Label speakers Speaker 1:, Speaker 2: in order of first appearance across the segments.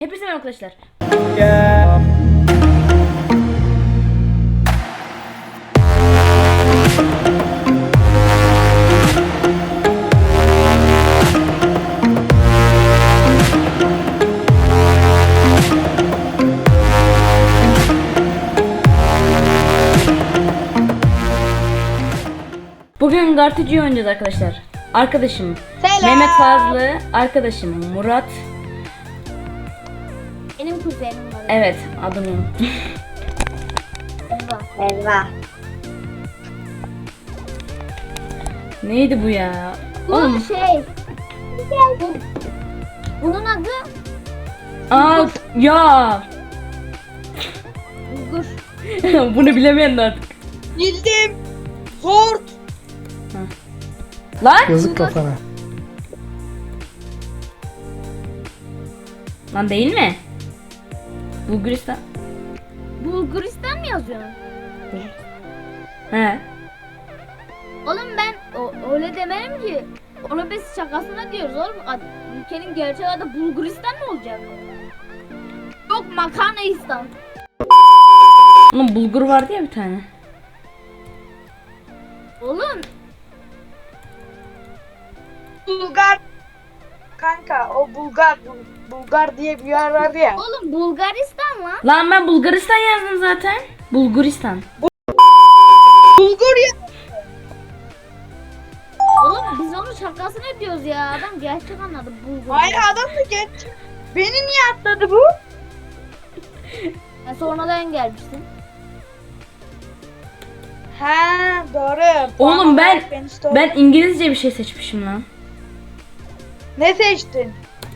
Speaker 1: Hepinize merhaba arkadaşlar. Bugün Gartıcı'yı oynayacağız arkadaşlar. Arkadaşım
Speaker 2: Selam.
Speaker 1: Mehmet Fazlı, arkadaşım Murat.
Speaker 2: Benim kuzenim var.
Speaker 1: Evet, adını unuttum.
Speaker 2: Elva.
Speaker 1: Neydi bu ya?
Speaker 2: Bu
Speaker 1: Oğlum.
Speaker 2: Bunun adı
Speaker 1: Aa ya.
Speaker 2: Bulgur.
Speaker 1: Bunu bilemeyen de artık.
Speaker 2: Bildim. Hort.
Speaker 1: Lan.
Speaker 3: Yazık kafana.
Speaker 1: Lan değil mi? Bulgaristan.
Speaker 2: Bulguristan mı yazıyorsun?
Speaker 1: He.
Speaker 2: Oğlum ben öyle demedim ki. Onu biz şakasına diyoruz oğlum. Ülkenin gerçek adı Bulguristan mı olacak? Yok Makarnaistan.
Speaker 1: Oğlum bulgur vardı ya bir tane.
Speaker 2: Oğlum
Speaker 4: Bulgar kanka o Bulgar diye bir yer vardı ya.
Speaker 2: oğlum Bulgaristan lan.
Speaker 1: Lan ben Bulgaristan yazdım zaten. Bulguristan.
Speaker 4: Bulgur ya.
Speaker 2: Oğlum biz onu şakasına diyoruz ya. Adam gerçek anladı Bulgur.
Speaker 4: Hayır adam da geç. Beni niye atladı bu?
Speaker 2: Ben sonradan gelmiştim.
Speaker 4: Ha doğru.
Speaker 1: Oğlum ben
Speaker 4: Beni stop-
Speaker 1: ben İngilizce bir şey seçmişim lan.
Speaker 4: Ne seçtin?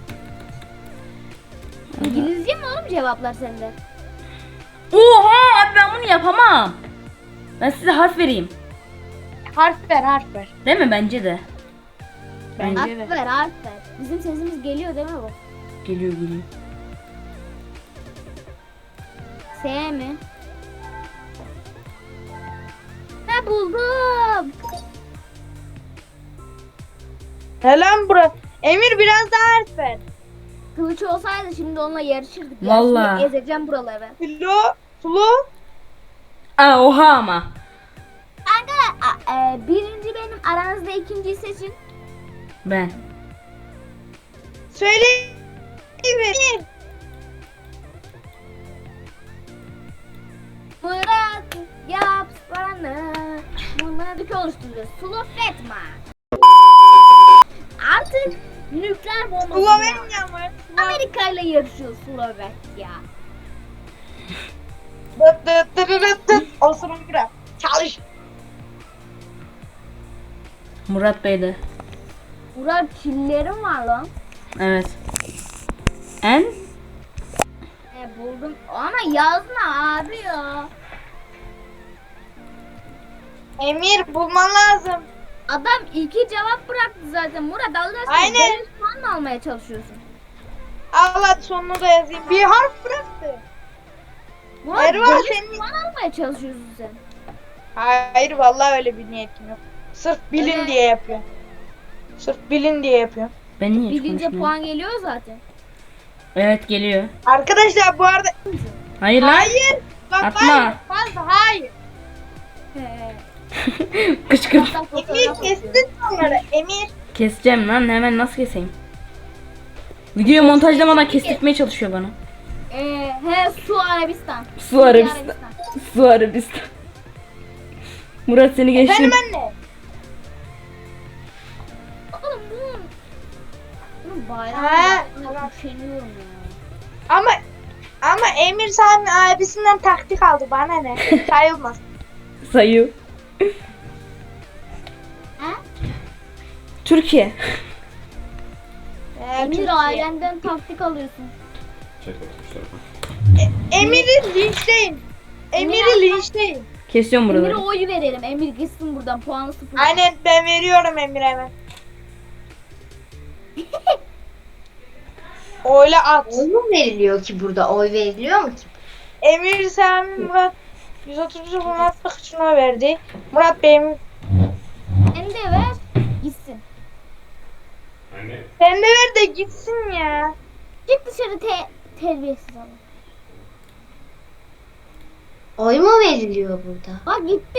Speaker 2: İngilizce mi oğlum cevaplar sende?
Speaker 1: Oha abi ben bunu yapamam. Ben size harf vereyim.
Speaker 4: Harf ver.
Speaker 1: Değil mi? Bence de. Bence
Speaker 2: Harf
Speaker 1: de.
Speaker 2: ver, harf ver. Bizim sesimiz geliyor değil mi bu?
Speaker 1: Geliyor geliyor.
Speaker 2: S mi? Ne buldum?
Speaker 4: Ne lan bura? Emir biraz daha harf ver.
Speaker 2: Kılıç olsaydı şimdi onunla yarışırdık. ya.
Speaker 1: Vallahi.
Speaker 2: Şimdi ezeceğim buraları.
Speaker 4: Flo.
Speaker 1: Aa oha ama.
Speaker 2: Kanka birinci benim, aranızda ikinciyi seçin.
Speaker 1: Ben.
Speaker 4: Söyle. Emir.
Speaker 2: Murat yap bana. Bunları bir oluşturuyoruz. Sulofetma. Artık nükleer bombası.
Speaker 4: Slovenya mı?
Speaker 2: Amerika ile yarışıyor Slovenya.
Speaker 4: Dıt. Osurun bırak. Çalış.
Speaker 1: Murat Bey de.
Speaker 2: Murat çillerim var lan.
Speaker 1: Evet. En?
Speaker 2: Buldum ama yazma abi ya.
Speaker 4: Emir bulman lazım.
Speaker 2: Adam iki cevap bıraktı zaten. Murat Allah aşkına
Speaker 4: Aynen.
Speaker 2: benim puan mı almaya çalışıyorsun?
Speaker 4: Al hadi sonunu da yazayım. Bir harf bıraktı.
Speaker 2: Murat
Speaker 4: Erva,
Speaker 2: benim
Speaker 4: senin-
Speaker 2: puan almaya çalışıyorsun sen.
Speaker 4: Hayır vallahi öyle bir niyetim yok. Sırf bilin
Speaker 2: Evet.
Speaker 4: diye yapıyorum. Sırf bilin diye yapıyorum.
Speaker 1: Ben niye hiç
Speaker 2: Bilince
Speaker 1: konuşmuyorum?
Speaker 2: puan geliyor zaten.
Speaker 1: Evet geliyor.
Speaker 4: Arkadaşlar bu arada
Speaker 1: Hayır lan.
Speaker 4: hayır. Bak
Speaker 1: Atma.
Speaker 4: hayır. Fazla hayır.
Speaker 1: Kışkırt.
Speaker 4: Emir kestin onları. Emir.
Speaker 1: Keseceğim lan hemen nasıl keseyim? Videoyu montajlamadan kestirtmeye çalışıyor bana.
Speaker 2: Su Arabistan.
Speaker 1: Su Arabistan. Su Arabistan. Murat seni geçtim.
Speaker 4: Efendim anne.
Speaker 2: Oğlum bunun bayrağı
Speaker 4: Ha.
Speaker 2: yaptığına üşeniyorum ya.
Speaker 4: Ama Emir Sami abisinden taktik aldı. Bana ne? Sayılmaz.
Speaker 1: Sayı.
Speaker 2: Ha?
Speaker 1: Türkiye.
Speaker 2: Emir ailenden taktik alıyorsun.
Speaker 4: Emir'i linçleyin. Emir'i linçleyin.
Speaker 1: Kesiyorum
Speaker 2: Emir'e
Speaker 1: buraları.
Speaker 2: oy verelim. Emir gitsin buradan, puanı sıfır.
Speaker 4: Aynen ben veriyorum Emir'e hemen. Oyla at.
Speaker 5: Oy mu veriliyor ki burada? Oy veriliyor mu ki?
Speaker 4: Emir Sami Murat 130 Muratlık şuna verdi. Murat Bey'im
Speaker 2: Sen de ver. Gitsin.
Speaker 4: sen de ver de gitsin ya.
Speaker 2: Çık dışarı Terbiyesiz adam.
Speaker 5: Oy mu veriliyor burada?
Speaker 2: Bak gitti.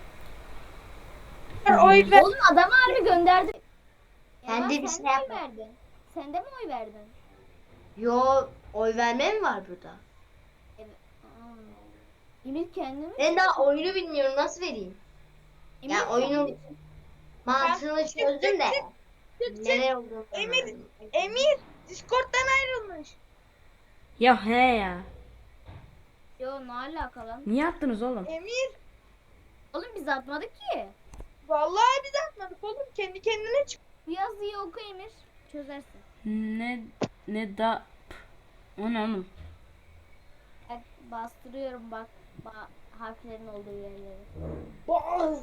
Speaker 4: Oy ver.
Speaker 2: Oğlum adamı harbi gönderdi.
Speaker 5: Ben
Speaker 2: Ya
Speaker 5: de bir
Speaker 2: sen
Speaker 5: şey
Speaker 2: de oy
Speaker 5: yapmadım.
Speaker 2: verdin. Sen de mi oy verdin?
Speaker 5: Yo, oy verme mi var burada?
Speaker 2: Evet. Emir kendi mi?
Speaker 5: Ben daha oyunu bilmiyorum, nasıl vereyim?
Speaker 2: Emir
Speaker 5: Ya oyunun
Speaker 2: kendi-
Speaker 5: mantığını çözdüm de.
Speaker 4: çık.
Speaker 5: Neler olduğunu
Speaker 4: Emir.
Speaker 5: anlamadım.
Speaker 4: Emir Discord'dan ayrılmış.
Speaker 1: Ya he ya.
Speaker 2: Yo ne alaka lan?
Speaker 1: Niye attınız oğlum?
Speaker 4: Emir.
Speaker 2: Oğlum biz atmadık ki.
Speaker 4: Vallahi biz atmadık oğlum. Kendi kendine çık.
Speaker 2: Bu yazıyı oku Emir. Çözersin.
Speaker 1: Ne da... O ne oğlum?
Speaker 2: Bak, bastırıyorum bak. Harflerin olduğu yerleri.
Speaker 4: Boğaz.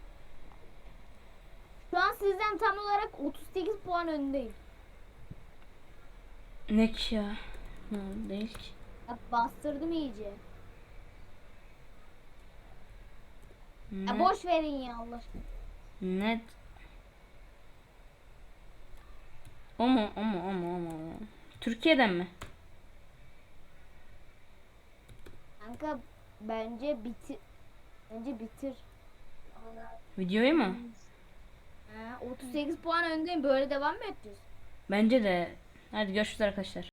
Speaker 2: Şu an sizden tam olarak 38 puan öndeyim.
Speaker 1: Ne ki ya? Ha, değil ki.
Speaker 2: Bak bastırdım iyice. Ya
Speaker 1: Ne?
Speaker 2: boş verin ya Allah aşkına.
Speaker 1: Ne? O mu? O mu? O mu? O mu? Türkiye'den mi?
Speaker 2: Kanka bence bitir. Bence bitir.
Speaker 1: Videoyu mu?
Speaker 2: Ha, 38 puan öndeyim. Böyle devam mı edeceğiz?
Speaker 1: Bence de. Hadi görüşürüz arkadaşlar.